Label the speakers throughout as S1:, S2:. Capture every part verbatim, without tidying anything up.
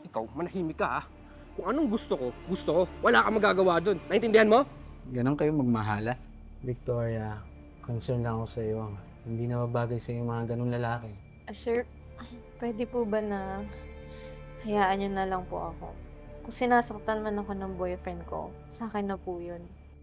S1: Ikaw, manahimik ka ha. Kung anong gusto ko, gusto ko. Wala kang magagawa dun. Naintindihan mo?
S2: Ganon kayo magmahala. Victoria, concern lang ako sa iyo. Hindi na mabagay sa iyo mga ganong lalaki.
S3: Ah, sir, pwede po ba na hayaan niyo na lang po ako? Kung sinasaktan man ako ng boyfriend ko, sa akin na po yun.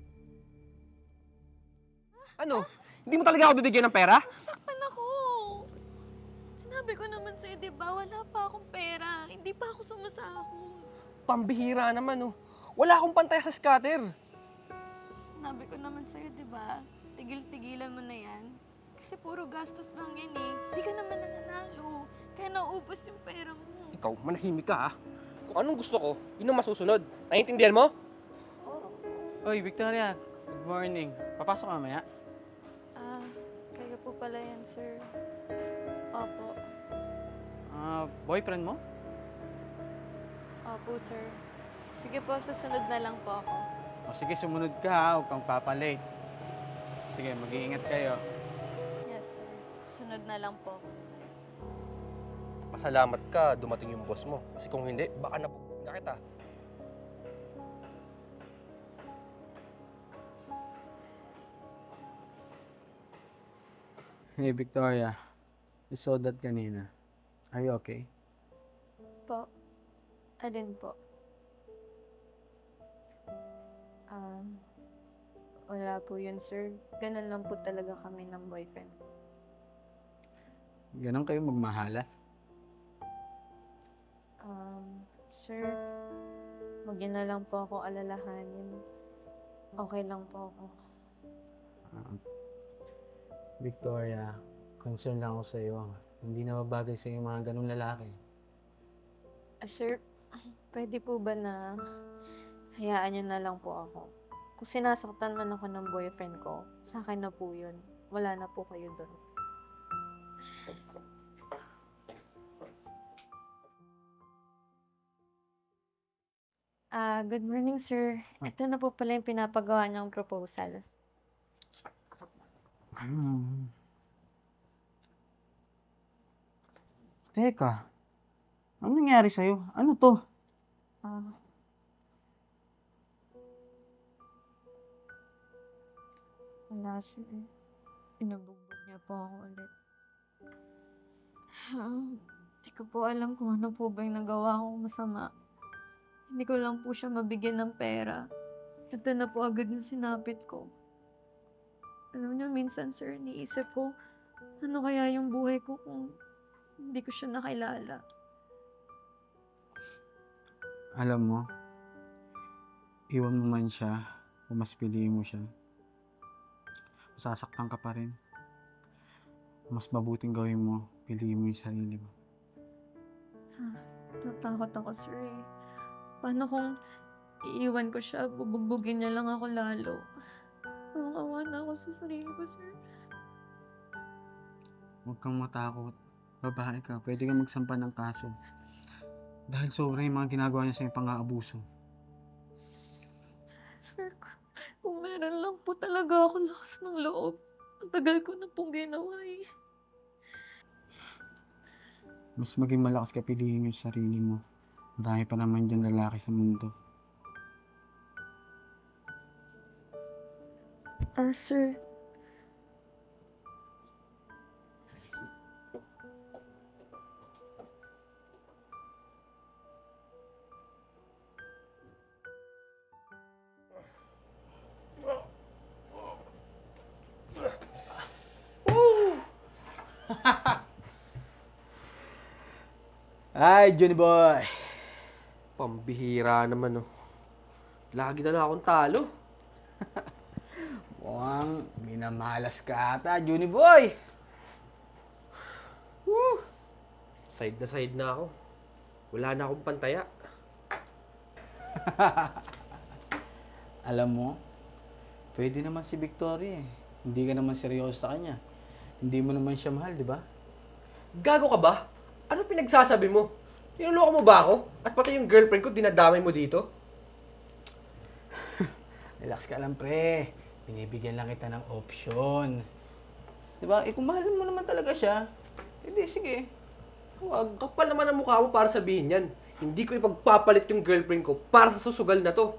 S1: Ano? Hindi mo talaga ako bibigyan ng pera?
S3: Nasaktan ako! Sinabi ko naman sa'yo, di ba? Wala pa akong pera. Hindi pa ako sumasahod.
S1: Pambihira naman oh. Wala akong pantay sa scatter.
S3: Sinabi ko naman sa'yo, di ba? Tigil-tigilan mo na yan. Kasi puro gastos lang yan eh. Hindi ka naman nananalo. Kaya nauubos yung pera mo.
S1: Ikaw, manahimik ka ha. Kung anong gusto ko, yun ang masusunod. Naintindihan mo?
S3: Oo.
S2: Oy, Victoria. Good morning. Papasok mamaya?
S3: Ah, kayo po pala yan, sir. Opo.
S2: Ah, boyfriend mo?
S3: Opo, sir. Sige po, susunod na lang po ako.
S2: O sige, sumunod ka ha. Huwag kang papalate. Sige, mag-iingat kayo.
S3: Yes, sir. Sunod na lang po ako.
S1: Pasalamat ka, dumating yung boss mo. Kasi kung hindi, baka nabugbog na kita.
S2: Hey, Victoria. I saw that kanina. Are you okay?
S3: Po. Alin po? Um, wala po yun, sir. Ganun lang po talaga kami ng boyfriend.
S2: Ganon kayo magmahala.
S3: Um, sir, huwag niyo na lang po ako alalahanin. Okay lang po ako.
S2: Ah, Victoria, concern lang ako sa iyo. Hindi na mabagay sa iyo mga ganong lalaki.
S3: Ah, sir, pwede po ba na hayaan niyo na lang po ako? Kung sinasaktan man ako ng boyfriend ko, sa akin na po yun. Wala na po kayo doon. Ah, good morning, sir. Ito na po pala yung pinapagawa niyang proposal.
S2: Hmm. Teka, ano nangyari sa'yo? Ano to?
S3: Ah. Wala, sir. Pinabugbog niya po ako ulit. Hindi ko po alam kung ano po ba yung nagawa kong masama. Hindi ko lang po siya mabigyan ng pera. Ito na po agad yung sinapit ko. Alam niyo, minsan, sir, iniisip ko, ano kaya yung buhay ko kung hindi ko siya nakilala.
S2: Alam mo, iwan mo man siya, o mas piliin mo siya, masasaktan ka pa rin. Mas mabuting gawin mo, piliin mo yung sarili mo.
S3: Natakot ako, sir, eh. Paano kung iiwan ko siya, bubugbugin niya lang ako lalo? Nakawa na ako sa sarili ko, sir.
S2: Huwag kang matakot. Babae ka, pwede kang magsampa ng kaso. Dahil sobra yung mga ginagawa niya sa yung pang-aabuso.
S3: Sir, kung meron lang po talaga ako lakas ng loob, matagal ko na pong ginawa eh.
S2: Mas maging malakas ka, piliin yung sarili mo. Marami pa naman dyan lalaki sa mundo.
S3: Ah, sir.
S4: Ay, Johnny boy.
S1: Pambihira naman oh. Lagi na lang akong talo.
S4: Mukhang minamalas ka ata, Johnny boy.
S1: Woo! Side na side na ako. Wala na akong pantaya.
S4: Alam mo, pwede naman si Victoria eh. Hindi ka naman seryoso sa kanya. Hindi mo naman siya mahal, di ba?
S1: Gago ka ba? Ano pinagsasabi mo? Tinuloko mo ba ako? At pati yung girlfriend ko, dinadamay mo dito?
S4: Relax ka lang, pre. Binibigyan lang kita ng option. Di ba? Eh, kung mahal mo naman talaga siya, edi sige.
S1: Huwag. Kapal naman ang mukha mo para sabihin yan. Hindi ko ipagpapalit yung girlfriend ko para sa susugal na to.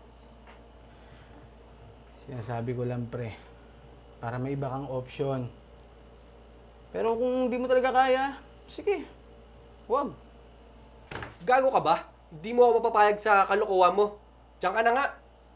S4: Sinasabi ko lang, pre, para may iba kang option. Pero kung hindi mo talaga kaya, sige, huwag.
S1: Gago ka ba? Hindi mo ako mapapayag sa kalokohan mo. Diyan ka na nga.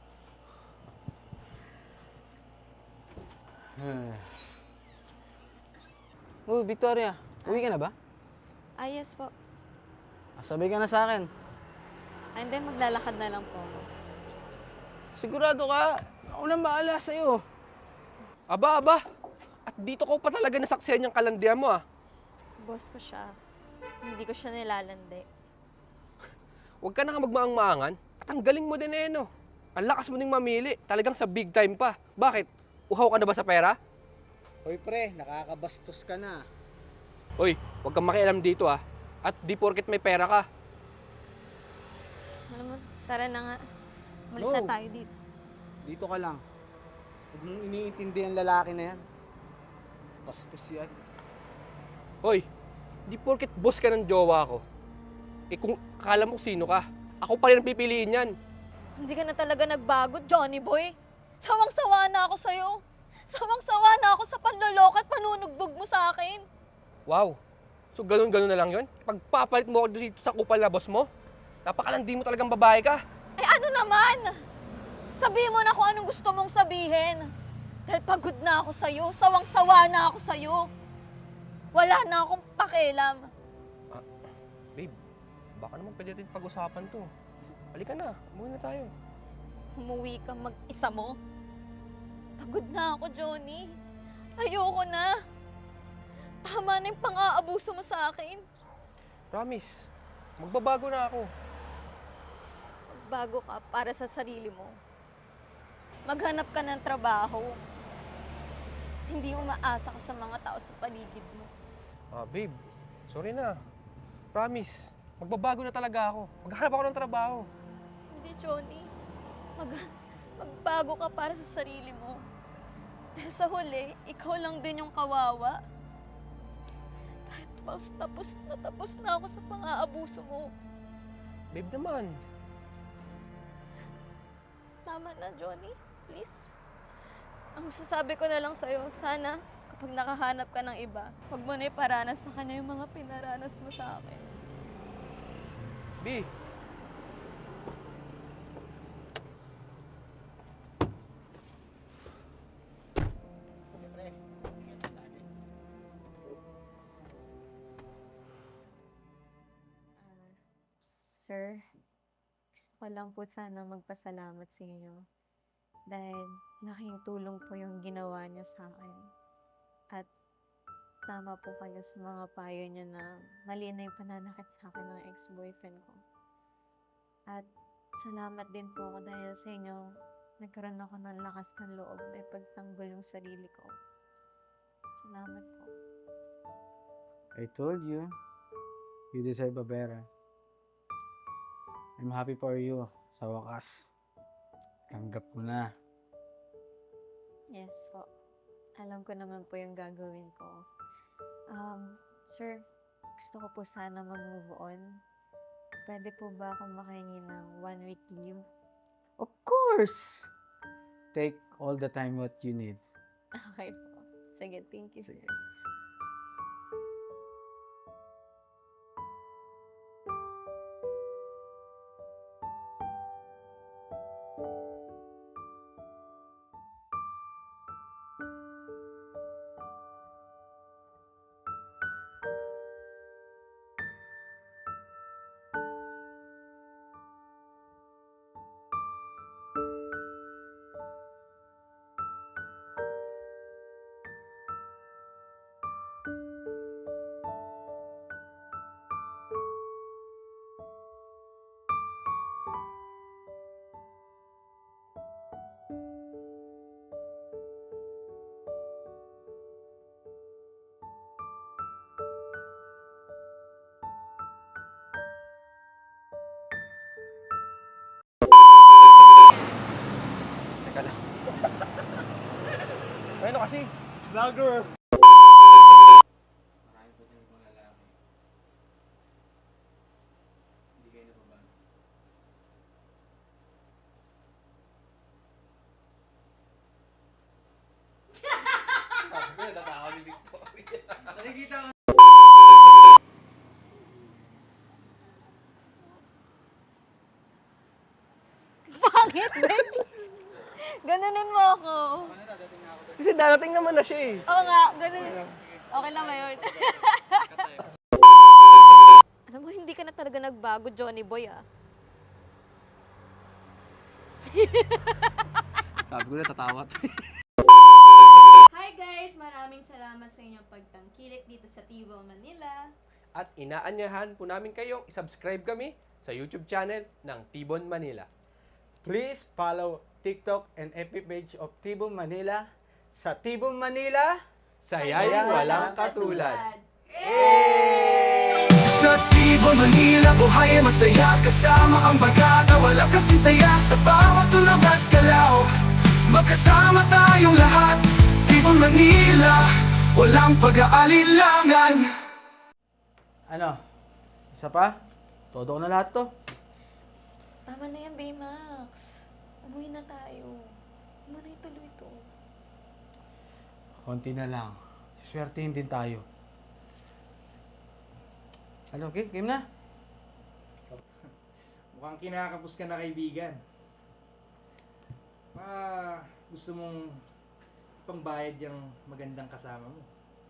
S4: Oh, Victoria, uwi ka na ba?
S3: Ah, yes po.
S4: Ah, sabay ka na sa akin.
S3: And then, maglalakad na lang po ako.
S4: Sigurado ka, ako nang bahala sa'yo.
S1: Aba, aba. At dito ko pa talaga nasaksihan yung kalandian mo ah.
S3: Boss ko siya. Hindi ko siya nilalandi.
S1: Huwag ka na nga magmaang-maangan. At ang galing mo din eh, no? Ang lakas mo ding mamili. Talagang sa big time pa. Bakit? Uhaw ka na ba sa pera?
S4: Hoy pre, nakakabastos ka na.
S1: Hoy, huwag kang makialam dito ah. At di porket may pera ka.
S3: Alam mo, tara na nga. Malis
S4: No.
S3: na tayo dito.
S4: Dito ka lang. Huwag mong iniintindi ang lalaki na yan. Bastos yan.
S1: Hoy, di porket boss ka ng jowa ko. Eh kung akala mo sino ka, ako pa rin ang pipiliin yan.
S3: Hindi ka na talaga nagbago, Johnny Boy. Sawang-sawa na ako sa'yo. Sawang-sawa na ako sa panloloko at panunugbog mo sa akin.
S1: Wow. So ganun-ganun na lang yon. Pagpapalit mo ako dito sa kupal na boss mo, napakalandi mo talagang babae ka.
S3: Eh ano naman? Sabihin mo na kung anong gusto mong sabihin. Dahil pagod na ako sa'yo. Sawang-sawa na ako sa'yo. Wala na akong pakialam.
S1: Babe, baka naman pwede natin pag-usapan to. Halika na, umuwi na tayo.
S3: Umuwi ka mag-isa mo. Pagod na ako, Johnny. Ayoko na. Tama na yung pang-aabuso mo sa akin.
S1: Promise, magbabago na ako.
S3: Bago ka para sa sarili mo. Maghanap ka ng trabaho. Hindi umaasa ka sa mga tao sa paligid mo.
S1: Ah, babe, sorry na. Promise, magbabago na talaga ako. Maghanap ako ng trabaho.
S3: Hindi, Johnny. Mag magbago ka para sa sarili mo. Dahil sa huli, ikaw lang din yung kawawa. Kahit tapos, tapos na tapos na ako sa pang-aabuso mo.
S1: Babe naman.
S3: Tama na, Johnny. Please. Ang sasabi ko na lang sa'yo, sana kapag nakahanap ka ng iba, huwag mo na iparanas sa kanya yung mga pinaranas mo sa akin.
S1: B,
S3: Sir, gusto ko lang po sana magpasalamat sa inyo. Dahil laking tulong po yung ginawa niyo sa akin. At tama po kayo sa mga payo niyo na mali na yung pananakit sa akin ng ex-boyfriend ko. At salamat din po ako dahil sa inyo, nagkaroon ako ng lakas ng loob na ipagtanggol yung sarili ko. Salamat po.
S4: I told you, you deserve a better. I'm happy for you, sa wakas. Tanggap mo na.
S3: Yes po. Alam ko naman po yung gagawin ko. Um, sir, gusto ko po sana mag-move on. Pwede po ba ako makahingi ng one week leave?
S4: Of course! Take all the time what you need.
S3: Okay po. Sige, thank you.
S4: Sige.
S1: teka lang. Ano kasi?
S4: Vlogger! Marami po din mga lalaki. Hindi kayo nababago.
S1: Natatawa si Victoria.
S2: Nakikita ko.
S3: Pangit, babe! Ganunin mo ako.
S1: Kasi darating naman na siya eh.
S3: Oo nga, ganun. Okay lang ba yun? Alam mo, hindi ka na talaga nagbago, Johnny Boy, ah.
S1: Sabi ko na, tatawa to.
S3: Hi guys! Maraming salamat sa inyong pagtangkilik dito sa Tibo, Manila.
S1: At inaanyahan po namin kayong isubscribe kami sa YouTube channel ng Tibon Manila.
S4: Please follow TikTok and F B page of Tibon Manila sa Tibon Manila.
S1: Saya'y walang katulad.
S5: Sa Tibon, Manila, buhay ay masaya kasama ang bagata, wala kasing saya sa bawat tulog at galaw. Magkasama tayong lahat, Tibon, Manila, walang pag-aalilangan.
S4: Ano? Isa pa? Todo ko na lahat to.
S3: Tama na yan, Baymax. Umuwi na tayo. Huwag mo na ituloy ito.
S4: Konti na lang. Swertein din tayo. Ano, okay? Game na?
S6: Mukhang kinakapos ka na, kaibigan. Ah, gusto mong pambayad yung magandang kasama mo.